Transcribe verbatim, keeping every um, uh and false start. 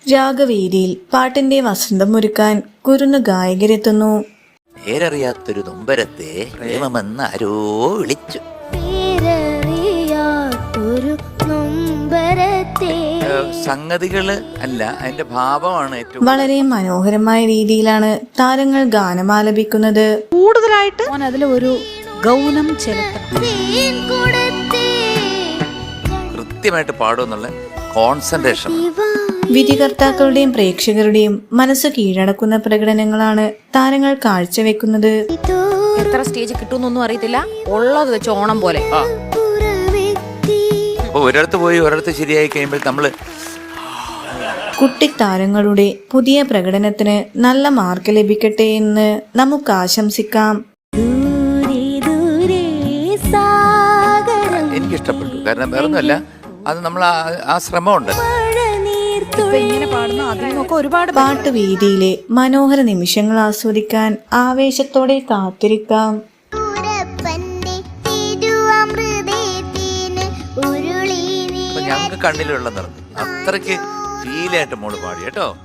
രാഗവേദിയിൽ പാട്ടിന്റെ വസന്തം ഒരുക്കാൻ കുരുന്നു ഗായകരെത്തുന്നു. പേരറിയാത്തൊരു നൊമ്പരത്തെ പ്രേമമെന്ന് ആരോ വിളിച്ചു. സംഗതികള് അല്ല, അതിന്റെ ഭാവമാണ് ഏറ്റവും. വളരെ മനോഹരമായ രീതിയിലാണ് താരങ്ങൾ ഗാനമാലപിക്കുന്നത്. കൂടുതലായിട്ട് അതിൽ ഒരു ഗൗനം ചെലുത്തണം, കൃത്യമായിട്ട് പാടുമെന്നുള്ള കോൺസെൻട്രേഷൻ. വിധികർത്താക്കളുടെയും പ്രേക്ഷകരുടെയും മനസ്സ് കീഴടക്കുന്ന പ്രകടനങ്ങളാണ് താരങ്ങൾ കാഴ്ചവെക്കുന്നത്. എത്ര സ്റ്റേജ് കിട്ടുമെന്നൊന്നും അറിയത്തില്ല, ഉള്ളത് വെച്ച് ഓണം പോലെ. ഒരിടത്ത് പോയി ഒരിടത്ത് ശരിയായി കഴിയുമ്പോൾ നമ്മള് കുട്ടിത്താരങ്ങളുടെ പുതിയ പ്രകടനത്തിന് നല്ല മാർക്ക് ലഭിക്കട്ടെ എന്ന് നമുക്ക് ആശംസിക്കാം. എനിക്കിഷ്ടപ്പെട്ടു. കാരണം വേറൊന്നുമല്ല, അത് നമ്മൾ ആ ശ്രമമുണ്ട്. പാട്ട് വേദിയിലെ മനോഹര നിമിഷങ്ങൾ ആസ്വദിക്കാൻ ആവേശത്തോടെ കാത്തിരിക്കാം. ഞങ്ങൾക്ക് കണ്ണിലുള്ള നിറഞ്ഞു, അത്രയ്ക്ക് ഫീലായിട്ട് മോള് പാടി കേട്ടോ.